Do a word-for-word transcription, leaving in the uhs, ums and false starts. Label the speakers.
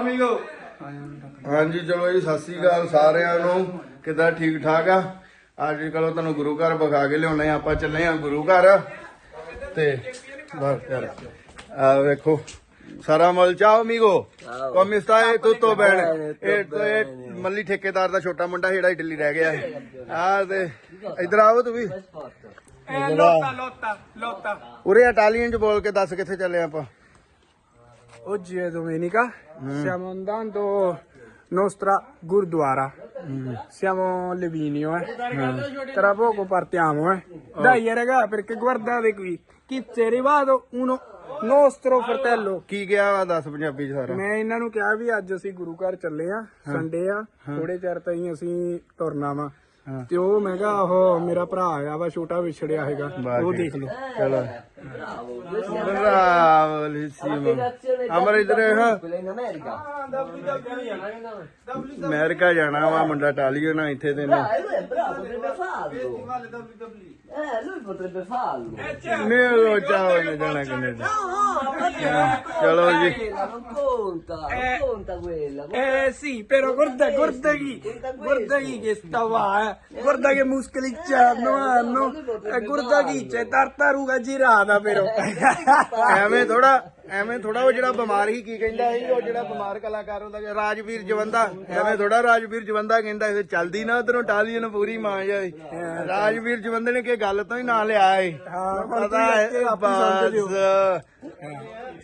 Speaker 1: ਅਮੀਗੋ ਹਾਂਜੀ ਚਲੋ ਜੀ ਸਤਿ ਸ੍ਰੀ ਅਕਾਲ ਸਾਰਿਆਂ ਨੂੰ ਕਿੱਦਾਂ ਠੀਕ ਠਾਕ ਆ ਅੱਜ ਕੱਲ੍ਹ ਤੁਹਾਨੂੰ ਗੁਰੂ ਘਰ ਵਿਖਾ ਕੇ ਲਿਆਉਣੇ ਆਪਾਂ ਚੱਲੇ ਆ ਗੁਰੂ ਘਰ ਤੇ ਬਸ ਯਾਰ ਆ ਵੇਖੋ ਸਾਰਾ ਮਲ ਚਾਓ ਅਮੀਗੋ ਕਮ ਸਟਾਏ ਤੁੱਤੋ ਬੈਣ ਇਹ ਮੱਲੀ ਠੇਕੇਦਾਰ ਦਾ ਛੋਟਾ ਮੁੰਡਾ ਜਿਹੜਾ ਇਟਲੀ ਰਹਿ ਗਿਆ ਆ ਤੇ ਇਧਰ ਆਓ ਤੂੰ ਵੀ
Speaker 2: ਲੋਤਾ ਲੋਤਾ ਲੋਤਾ
Speaker 1: ਉਰੇ ਇਟਾਲੀਅਨ ਚ ਬੋਲ ਕੇ ਦੱਸ ਕਿੱਥੇ ਚੱਲੇ ਆਪਾਂ
Speaker 2: Oggi è domenica, stiamo andando nostra Gurdwara. Siamo a Levinio, eh. Tra poco partiamo, eh. Dai raga, perché guardate qui, chi è arrivato uno nostro fratello.
Speaker 1: ਕੀ ਗਿਆ ਵਾ ਦੱਸ ਪੰਜਾਬੀ ਚ ਸਾਰਾ
Speaker 2: ਮੈਂ ਇਹਨਾਂ ਨੂੰ ਕਿਹਾ ਵੀ ਅੱਜ ਅਸੀਂ ਗੁਰੂ ਘਰ ਚੱਲੇ ਆ ਸੰਡੇ ਆ ਥੋੜੇ ਚਿਰ ਤਾਈਂ ਅਸੀਂ ਤੁਰਨਾ ਵਾ ਤੇ ਉਹ ਮੈਂ ਕਿਹਾ ਉਹ ਮੇਰਾ ਭਰਾ ਆ ਵਾ ਛੋਟਾ ਵਿਛੜਿਆ ਹੈਗਾ ਉਹ ਦੇਖ ਲਓ
Speaker 1: ਚਲੋ ਬਰਾਵਲੀਸੀਮੋ ਅਮਰ ਇਧਰ ਅਮਰੀਕਾ ਜਾਣਾ ਵਾ ਮੁੰਡਾ ਇਟਾਲੀਅਨ ਆ ਇੱਥੇ ਤੇ ਇਹਨੇ
Speaker 3: Eh, lui potrebbe farlo.
Speaker 1: ਨਹੀਂ ਉਹ ਚਾਹ ਨੇ ਜਾਣਾ ਕੈਨੇਡਾ ਚਲੋ ਜੀ
Speaker 3: Non conta, non conta quella.
Speaker 2: eh sì però guarda guarda chi guarda chi che sta qua eh guarda che muscoli c'hanno hanno e guarda chi c'è tartaruga girata però
Speaker 1: ਐਵੇਂ ਥੋੜਾ ਐਵੇਂ ਥੋੜਾ ਉਹ ਜਿਹੜਾ ਬਿਮਾਰ ਸੀ ਕੀ ਕਹਿੰਦਾ ਸੀ ਉਹ ਜਿਹੜਾ ਬਿਮਾਰ ਕਲਾਕਾਰ ਹੁੰਦਾ ਰਾਜਵੀਰ ਜਵੰਦਾ ਐਵੇਂ ਥੋੜਾ ਰਾਜਵੀਰ ਜਵੰਦਾ ਕਹਿੰਦਾ ਇਹ ਚੱਲਦੀ ਨਾ ਉਧਰੋਂ ਇਟਾਲੀਅਨ ਪੂਰੀ ਮਾਂ ਜਾਈ ਰਾਜਵੀਰ ਜਵੰਦੇ ਨੇ ਕਿ ਗੱਲ ਤੋਂ ਹੀ ਨਾਂ ਲਿਆ ਏ ਪਤਾ ਹੈ ਬਸ